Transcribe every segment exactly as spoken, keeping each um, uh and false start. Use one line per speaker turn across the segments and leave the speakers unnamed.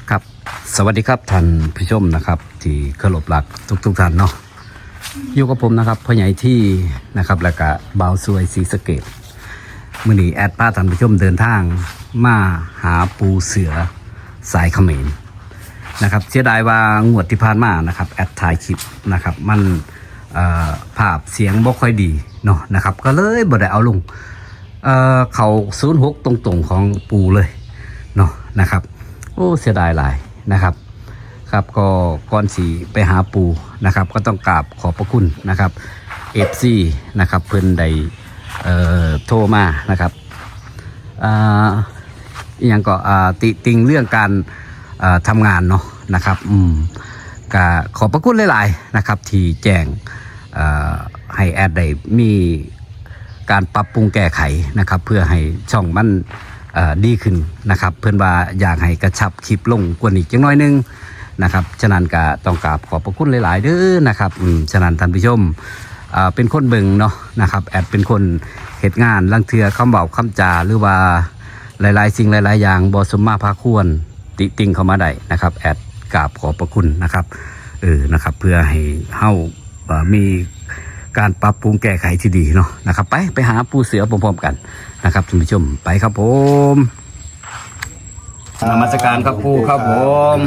ครับสวัสดีครับท่านผู้ชมนะครับที่เคารพรักทุกทุกท่านเนาะอยู่กับผมนะครับพ่อใหญ่ที่นะครับแล้วก็บ่าวสวยศรีสะเกษมื้อนี้แอดพาท่านผู้ชมเดินทางมาหาปูเสือสายเขมรนะครับเสียดายว่างวดที่ผ่านมานะครับแอดถ่ายคลิปนะครับมันภาพเสียงบ่ค่อยดีเนาะนะครับก็เลยบ่ได้เอาลงเอ่อเขาศูนย์หกตรงๆของปูเลยเนาะนะครับโอ้เสียดายหลายนะครับครับก็ก่อนสีไปหาปูนะครับก็ต้องกราบขอบพระคุณนะครับเอฟซีนะครับเพิ่นได้เอ่อโทรมานะครับอ่าอย่างก็อ่าติติงเรื่องการอ่าทำงานเนาะนะครับอืมก็ขอบพระคุณหลายๆนะครับที่แจ้งอ่าให้แอดได้มีการปรับปรุงแก้ไขนะครับเพื่อให้ช่องมันดีขึ้นนะครับเพื่อนว่าอยากให้กระชับคลิปลงกว่านี้จังน้อยนึงนะครับฉะนั้นก็ต้องกราบขอบพระคุณหลายๆเด้อนะครับอืมฉะนั้นท่านผู้ชมเป็นคนเบิ่งเนาะนะครับแอดเป็นคนเหตุงานลังเทือคำเบาคำจาหรือว่าหลายๆสิ่งหลายๆอย่างบอสมมาพาควรติติงเข้ามาได้นะครับแอดกราบขอบพระคุณนะครับเออนะครับเพื่อให้เฮามีการปรับปรุงแก้ไขที่ดีเนาะนะครับไปไปหาปูเสือพร้อมๆกันนะครับท่านผู้ชมไปครับผมนมัสการครับปูครับผม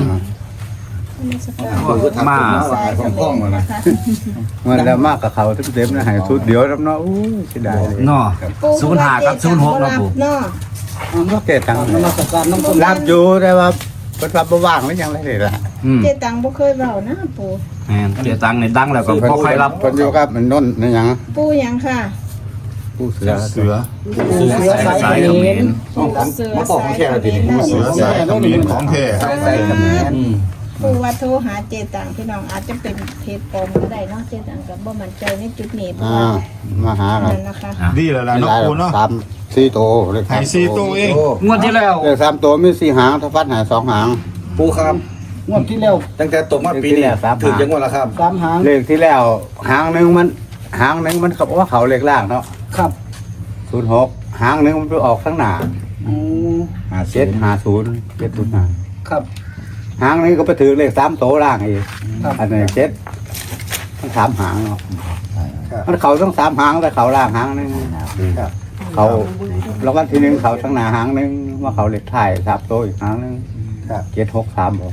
มา
ของกล้องมานะมันแล้วมากกับเขาทุกเต็มนะหายทุกเดียวแล้วเนาะอู้เสียดายเลย
เนาะศูนย์ห้ากับศูนย์หกนะปู
มันก็เกตังนมัสการน้องรับอยู่แต่ว่าเป็นรับว่างหรือยังไรเลยล่ะ
เจตังบ่เคยเบานะปู
แม่เจตังในดังแล้วก็พอใครรับ
คนอยู่ครับมันน้นนี่ยัง
ปูยังค่ะ
ปูเสือเสือ
ปูเสือสายเขมร
มาบอกของแท้แล้วทีนี้ปู
เสือสายเขมรของแท้ครับสายเขมร
ปูว่าโทรหาเจตังพี่น้องอาจจะเป็นเพจปลอมก็ได้เนาะเจตังก็บ่มั่นใจในจุดนี้
อ่ามาหากัน
นะคะ
ดีแล้วล่ะเนาะปูเนาะ
สามสี่โตเลย
หายสี่โตเอง
งวดที่แล้ว
เลขสามโตมีสี่หางถ้าฟัดหายสองหาง
ปูครับ
งวดที่แล้ว
ตั้งแต่ตกมาปีนี้ถึงจังหวัดละครับ
สามหางเลขที่แล้วหางหนึ่งมันหางหนึ่งมันเขาบอกว่าเขาเลขล่างเนาะ
ครับ
ศูนย์หกหางหนึ่งมันไปออกข้างหน้าหาเจ็ดหาศูนย์เจ็ดศูนย์หา
ครับ
หางนี้ก็ไปถือเลขสามโตล่างอีกอันนี้เจ็ดมันสามหางเนาะมันเขาต้องสามหางแต่เขาล่างหางนึงเขาแล้วก็ทีนึงเขาทั้งหน้าหางนึงว่าเขาเลขถ่ายสามโตอีกหางนึงเจ็ดหกสามบอก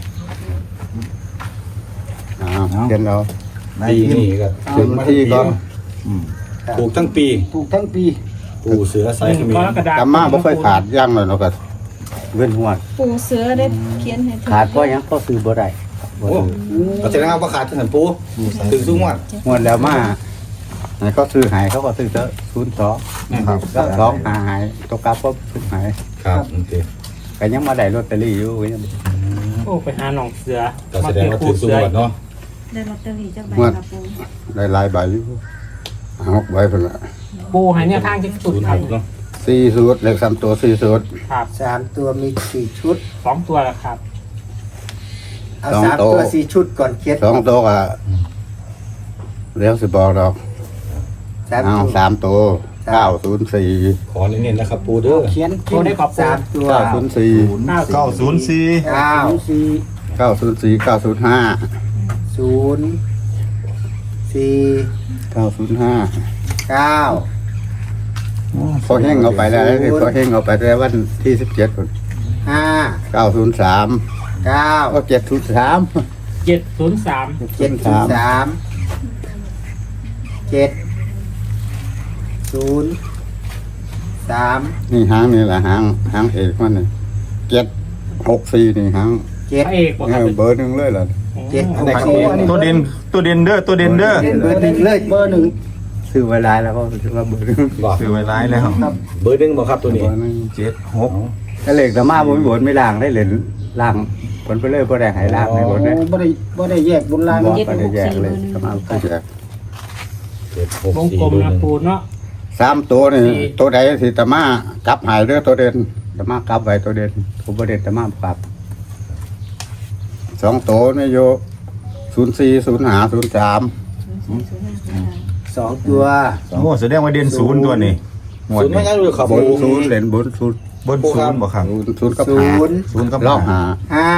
อ่าเจ็ดเรา
ปีนี้ก็
ถึงที่ก่อน
ปลูกทั้งปี
ปลูกทั้งปี
ปูเสือสายเขมร
กำมาไม่ค่อยขาดย่างเลยเนาะก็เว้นหัว
ปูเสือได้เขียนให้
ขาดก็ยังก็ซื้อบ่ได้
โอ้ก็แสดงว่าขาดถึงปูถึงซุ้งวัด
งวดแล้วมาเขาซื้อหายเขาก็ซื้อเจอศูนย์สองครับสองหาหายตกกาปุ๊บซื้อหาย
ครับโอเค
ก็ยังมาได้ลอตเตอรี่อยู่ยัง
โอ้ไปหาหนองเสือ
ก็แสดงว่าถึงซุ้งวัดเนาะ
ได้ลอตเตอรี่จักใบครับปู
ได้หลายใบอยู่หกใบเพิ่นละ
ปูหายเนี่ยทางที่สุดครับ
สี่สูตรเลขสามตัวสี่สูตร
ครับ
สามตัวมีสี่ชุด
สองตัวละครับ
เอาสามตัวสี่ชุดก่อนเขียน
สองตัวก็เลี้ยวสิบอกดอกเอาสามตัวเก้าศูนย์สี่
ขอเน้นๆนะครับปูเด้อ
เขียน
โทรได้ขอบ
สามตัว
เก้าศูนย์สี่
เก้าศูนย์สี่
เก้าสี่
เก้าศูนย์สี่เก้าศูนย์ห้า
ศูนย์สี่
เก้าศูนย์ห้า
เก้า
พอแห้งเอาไปแล้วพอแห้งเอาไปแล้ววันที่สิบเจ็ดคน
ห้า
เก้าศูนย์สาม
เก้า
ก็เจ็ดศูนย์สาม
เจ็ดศูนย์สาม
เจ็ดศูนย์สามเจ็ดศูนย์สาม
นี่หางนี่แหละหางหางเอกมันนี่เจ็ดหกสี่นี่หาง
เจ็ด
เอก
เบอร์หนึ่งเลยเหรอ
เจ็ดหก
สี่ตัวเด่นตัวเด่นเด้อตัวเด่นเด้อ
เบอร์หนึ่งเลยเบอร์หนึ่ง
ซื้อไว้หลายแล้วก็ถือว่าเบอร์หนึ่ง
ซื้อไว้หลายแล้ว
เบอร์หนึ่งบ่ครับตัวนี้
เจ็ดหก
ถ้าเหล็กแต่มาบนบนไม่ล่างได้เหรียญล่างบนไปเลยบ่ได้หายล่างในบนเนี่ย
บ่ได้บ่ได้แยกบนล่าง
บ่ได้แยกเลยแต่มาก็แยก
วงกลมนะปูเนาะ
สามตัวนี่ตัวใดที่ตะมากับหายเรือตัวเด่นตะมากับไว้ตัวเด่นตัวบ่เด่นตะมากับสองตัวนี่โยศูนย์สี่ศูนย์ห้าศูนย์สาม
สองตัว
โอ้แสดงว่าเด่นศูนย์ตัวนี้
ศูนย์ไม่ใช่หรือครับ
บนศูนย์เหรียญบนศูนย์
บนศูนย์บ่ครับ
ศูนย์กับห้าศูนย์กับ
รอบ
ห้า
ห้า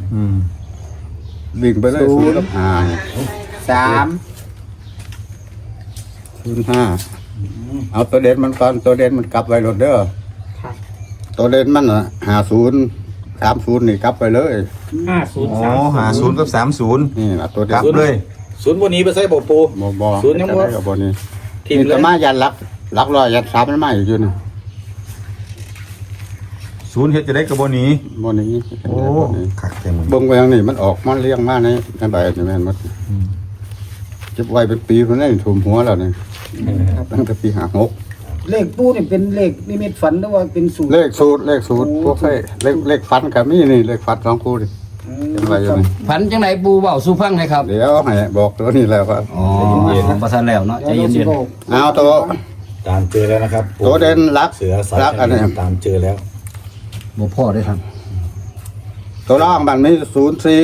อืม
วิ่งไปเลยศูนย์กับห้า
สาม
ศูนย์ห้าเอาตัวเด่นมันก่อนตัวเด่นมันกลับไว้รถเด้อ
ครับ
ตัวเด่นมันอ่ะห้าศูนย์สามศูนย์นี่กลับไปเลย
ห้าศูนย์
อ๋อ
สาม
หาศูนย์กับสามศูนย์
นี่นะตัวเด่
ก
น
ลับเลย
ศูนย์บนนี้ไปใส่บ่ปู
บ่บ่
ศูนย์ยังบ่
จะได้กับบนี้
ทีม
นี่
เล
จะ
ย
มายันลักลักร้อยยันสามมันมาอยู่นี่
ศูนย์เฮ็ดจะได้กับบนี้
บ่นี้
โอ้คักเต็มเลย
เบิ่งไปทางนี้มันออกมันเลี้ยงมาในในใบนี่แม่นหมดเก็บไว้เป็นปีเพิ่นได้ถุมหัวแล้วนี่ตั้งแต่ปีห้าหก
เลขปูนี่เป็นเลขนิมิตฝันหรือว่าเป็นสูตร
เลขสูตรเลขสูตรพวกใส่เลขเลขฟันก็มีนี่เลขฟันสองคู่นี่เป็นไรอยู่นี่
พันจังไหนปูเบาสู้ฟังเลยครับ
เดี๋ยวให้บอกตัวนี้แล้วครับ
อ๋อประทันแล้วเนาะใจเย็น
เอาตัว
ตามเจอแล้วนะครับ
ตัวเด่นรัก
เสือสาย
รักอันนี้
ตามเจอแล้ว
ๆบ่พ่อได้ครับ
ตัวล่างมันมีศูนย์สี่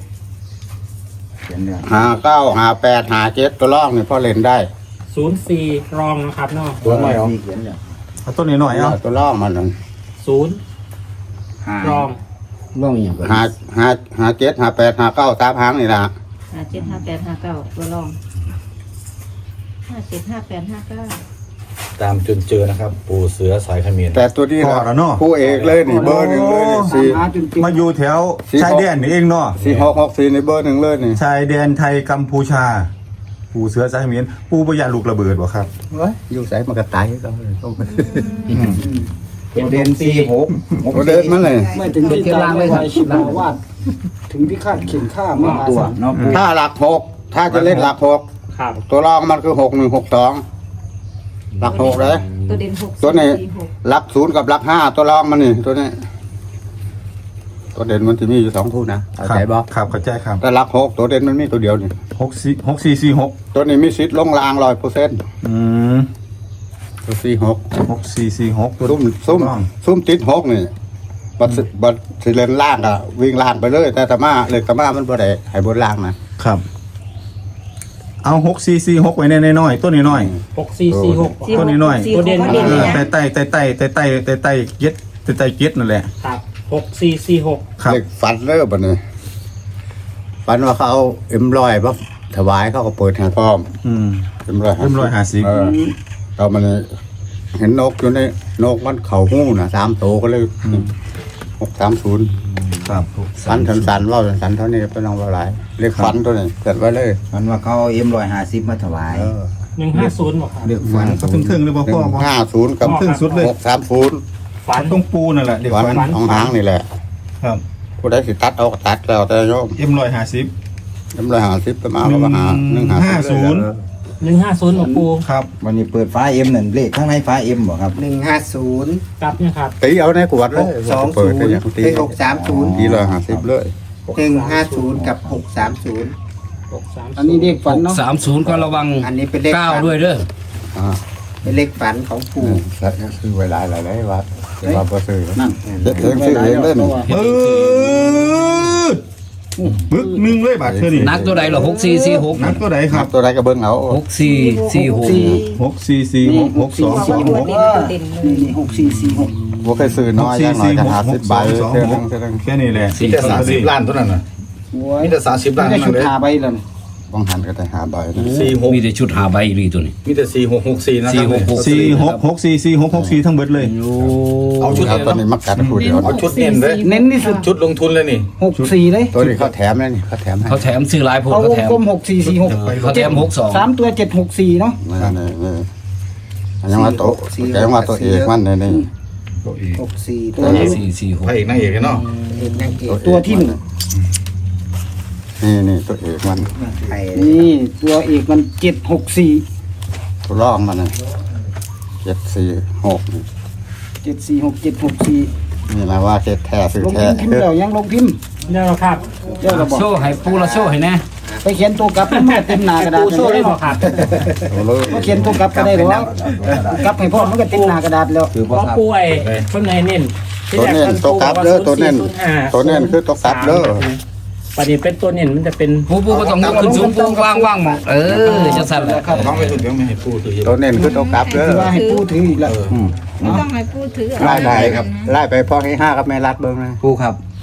ห้าเก้าห้าแปดห้าเจ็ดตัวล่างนี่พอเล่นได้
ศูนย์สี่รองนะครับเนาะ
ตัวใหม่เหรอ
เอาต้นนี้หน่อยเอา
ตัวล่างมันนั่น
ศูนย์รอง
ร่องอีหยังก่อน
ห้าห้าห้าเจ็ดห้าแปดห้าเก้าสามหางนี่นะ
ห้าเจ็ดห้าแปดห้าเก้าตัวรองห้าเจ็ดห้าแปดห้าเก้า
ตามจนเจอนะครับ ปูเสือสายเขมิ้น
แต่ตัวนี้
พอแล้วเนาะ
คู่เอกเลยนี่เบอร์หนึ่งเลยนี่สี่
หาจนติด
มาอยู่แถวชายแดนนี่เองเนาะ
สี่หกหกสี่ในเบอร์หนึ่งเลยนี่
ชายแดนไทยกัมพูชา ปูเสือสายเขมียนปูปยานลูกระเบิดบ่ครับ
เว้ยอยู่ใส่มันก็ตายก็เลยต้องไป
ตัวเด่นสี่หก
ตัวเดินมันเลย
ไม่ถึงที่ตายเลยชิบาวาดถึงที่คาดเข็นค่าไม่มาตัวเนาะ
ถ้าหลักหกถ้าจะเล่นหลักหก
ครับ
ตัวรองมันคือหกหนึ่งหกสองหลักหกเลย
ตัวเด่นหก
ตัวนี้
สี่หก
หลักศูนย์กับหลักห้าตัวรองมันนี่ตัวนี้ ตัวเด่นมันจะมีอยู่สองคู่นะเข้าใจบ่
ครับเข้าใจครับ
แต่หลักหกตัวเด่นมันมีตัวเดียวนี่
หกสี่หกสี่สี่หก
ตัวนี้มีสิทธิ์ลงรางร้อยเปอร์เซ็นต์
อืม
ตัวสี่หก
หกสี่สี่หก
ซุ่มซุ่มซุ่มติดหกนี่บัดสิบัดสิเล่นล่างอะวิ่งล่างไปเลย แต่ธรรมะเลยธรรมะมันบ่ได้ให้บนล่างนะครับ
เอาหกสี่สี่หกไว้ในน้อยๆต้นนี้น้อย
หกสี่สี่หก
ตัวนี้หน่อย
สี่หก
ตัวเด่น
ตัวเด่นเลยนะ
แต่ไต่แต่ไต่แต่ไต่แต่ไต่เย็ดแต่ไต่เย็ดนั่นแหละ
ครับหกสี่สี่หก
ครับ
เด็กฝันเลิกบัดนี้ฝันว่าเขาเอาเอ็มลอยปั๊บถวายเขาก็เปิดให้พร้อม
อืม
เอ็มลอย
เอ็มร้อยห้าสิบ
เออเรามันเห็นนกอยู่ในนกมันเข่าหู้น่ะสามโตวก็เลยหกสามศูนย์
ครับ
ฝันสันๆว่าสันๆเท่านี้เป็นน้องว่าหลายเรียกฝันตัวนี้เกิดไว้เลย
มันว่าเขาเอ็มรอยหาซิบมาถวาย
เออ
หนึ่งห้าศูนย์บอกครับ
เลือกฟัน
ก็ถึงถึงๆเลยบ่
หนึ่
พ่อง บ่
ห้าศูนย์กับ
ครึ่งสุดเลย
หกสามศูนย์
ฝัน
ต้องปูนั่นแหละเด็ก
ฝัน
ฝัน
ของหางนี่แหละ
ครับ
ผู้ใดสิตัดเอาก็ตัดแล้วแต่โยม
เอ็มร้อยห้าสิบ
เอ็มลอยหาสิบไปมาก็มาหาหนึ่งหา
ห้าศูนย์
หนึ่งห้าศูนย์บอกปู
ครับ
วันนี้เปิดฟ้าเอ็มนั่นเลขข้างในฟ้าเอ็มบ่ครับ
หนึ่งห้าศูนย์
กลับเนี่ยครับ
ตีเอาในขวดเลย
สอง
เปิ
ศู
ด
นย์
ได้อย่างตี
เป็นหกสามศูนย์
ตีเลยหาสิบเลย
หนึ่งห้าศูนย์กับหกสามศูนย์
หกสาม
อันนี้เลขฝันเนาะ
สามศูนย์ก็ระวัง
อันนี้เป็นเลข
เก้า
ฝัน
ด้วยเด้อ
อ่า
เป็นเลขฝันของปู่
สัตว์ก็คือเวลาหลายหลายวัดเวลาประซื้อ
นั่น
เด็กเองซื้อเองเล่น
เออบึกหนึ่งเลยบาทเท่านี้
นักตัวใดเหรอหกสี่สี่หก
นักตัวไหนค
ค
รั
รั
บบ
ตัวใดก็เบิ้งเอา
หกสี่สี่หก
หกสี่สี่หกหกสองสองหก
ตัวเด่นเลย
นี่หกสี่สี่หก
บ่เคยซื้อ
ห
น้
ก
อย
สี่
ย่างน้อย
สี่
ก็
หก
หา
ห
สิ
ก
บ
ส
ใบ
องสอง
เท่า
ห
นั้
ก
นเท่านั้น
แค่นี้แหละ
มีแต่สามสิบล้านเท่านั้นน่ะ
โอ้ย
มีแต่สามสิบล้าน
ไม่ได้
เท่า
ชุ
นั้นเลย
ดหาใบเลย
บางหันก็ได้หาใบนะ
สี่หก
มีแต่ชุดหาใบอีหลีตัวนี้
มีแต่สี่หกหกสี่นะ
สี่หกหก
สี่หกหกสี่สี่หกหกสี่ทั้งเบิดเลย
โอ้
เอาชุด
เอาตัวนี้มักกัดคู่เดียว
เอาชุดเน้นเลย
เน้นที่สุด
ชุดลงทุนเลยนี่
หกสี่เลย
ตัวนี้เขาแถมเลยนี่เขาแถมให้
เขาแถมซื้อหลายผล
เอา
เขา
วง
แถม
กลมหกสี่สี่หก
เขาแถมหกสอง
สามตัวเจ็ดหกสี่เนาะ
นี่นี่นี่อันยังว่าโตะ
สี่
แกยังว่าตัวเอกมันนี่นี่
หกสี่ตั
ห
ว
ก
นี้
สี่สี่หก
พระเอกนางเอกเนาะ
เอกนางเอกตัวที่หนึ่ง
นี่นี่ตัวเอกมัน
ไทย
นี่ตัวเอกมันเจ็ดหกสี่
ตัวรองมันน่ะเจ็ดสี่หกนี่
เจ็ดสี่หกเจ็ดหกสี่
นี่นะว่าเจ็ดแท้ซื้อ
ลง
แท้
พิมพ์พิมพ์แล้วยังลงพิมพ์
เนี่ยเราครับ
เจ้าระบอก
โชว์ให้ปูละโชว์ให้แน่
ไปเขียนตัวกลับมาเต็มหน้ากระดาษ
ปูโชว์ได้บอกครับ
ตัวเลย
มาเขียนตัวกลับก็ได้หรอกกลับให้พ่อมันก็เต็มหน้ากระดาษแล้ว
คือ
เพ
บ่
ราะ
ครับ
ปูไอ้ข้างในเน้น
ตัวเน้นตัวกลับเด้อตัวเน้นตัวเน้นคือตัวกลับเด้อ
ประเด็นเป็นตัวเน้นมันจะเป็น
ปูปูก็ต้องยกขึ้นสูงปูว่างว่างๆหมองเออจะสั่นแหละ
น้องไม่ถูกยังไม่ให้พูดคือ
ตัวเน้นคือตัวกลับเด้อ
ว่าให้พูดถืออีกแล้ว
ไม่ต้องให้พูดถือ
ไล่ไปครับไล่ไปพ่อให้ห้ากับแม่รัดเบิ้งนะ
ผู้ครับ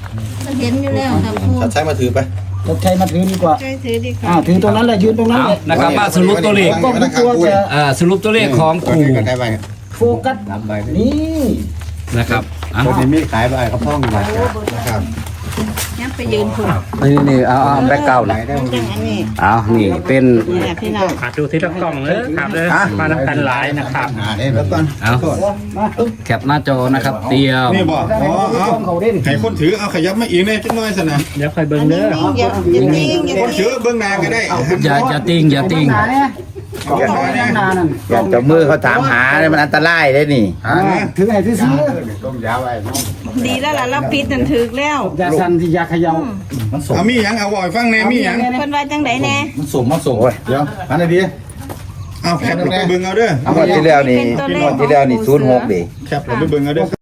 มันเห็นอยู่แล้วค่ะปู
ชัดใช้มาถือไป
รถใช้มาถือดีกว่า
ช่วยถือดีกว่า
อ่าถือตรงนั้นแหละยืนตรงนั้น
เอา
เลย
นะครับมาสรุปตัวเลข
ก็ไม่กลัวจะ
เอ่อสรุปตัวเลขของปู่
ได้ไป
โฟกัส
สามใบ
นี่
นะครับอ่ะ
ตัวนี้มีขายใบกระพ่องอยู่
นะครับ
ยังไปยืนถูก
นี่นี่เอาเอาแบ็คเก่าหน่อย
มันจังอันนี้
เอานี่เป็น
เนี่ยพี่น้อง
ขาดดูที่ละกล่องเลยครับเลยมาน้ำกันหลายนะครับ
หาได้แล้วก่อน
เอาแคปหน้าจอนะครับเตรียม
นี่บอกอ๋อเอา
เขาเด่น
ให้คนถือเอาขยับมาอีกเนี่ยจังน้อยสนะ
เดี๋ยวคอยเบิ่ง
อัน
เด้
นี้
อ
อย่าอย่าติ้งอย่า
คนถื
ติ้
อง เบื้องหน้าก็ได้เอา
อย่าอย่าติงอย่าติง
หนาเนี่ยกองเขาแน่นานนั่น
อย่าจับมือเขาถามหาเนี่ยมันอันตรายได้นี่
ถือไงที่ซื้อ
ต้มยาวไว้น้อง
ดีแล้วล่ะเราปิดนั่นถึกแล้ว
ยาสันที่ยาเขย่า
มันส่ง
เอามีหยังเอาบ่อยฟังแน่มีหยัง
เพิ่นว่าจังไดแน่
มันส่งมันส่งเดี๋ยวอันไหนดี
เอาแคปลงไปเบิ่งเอาเด้อ
งวดที่แล้วนี่งวดที่แล้วนี่ศูนย์หกดิ
แคปลงไปเบิ่งเอาเด้อ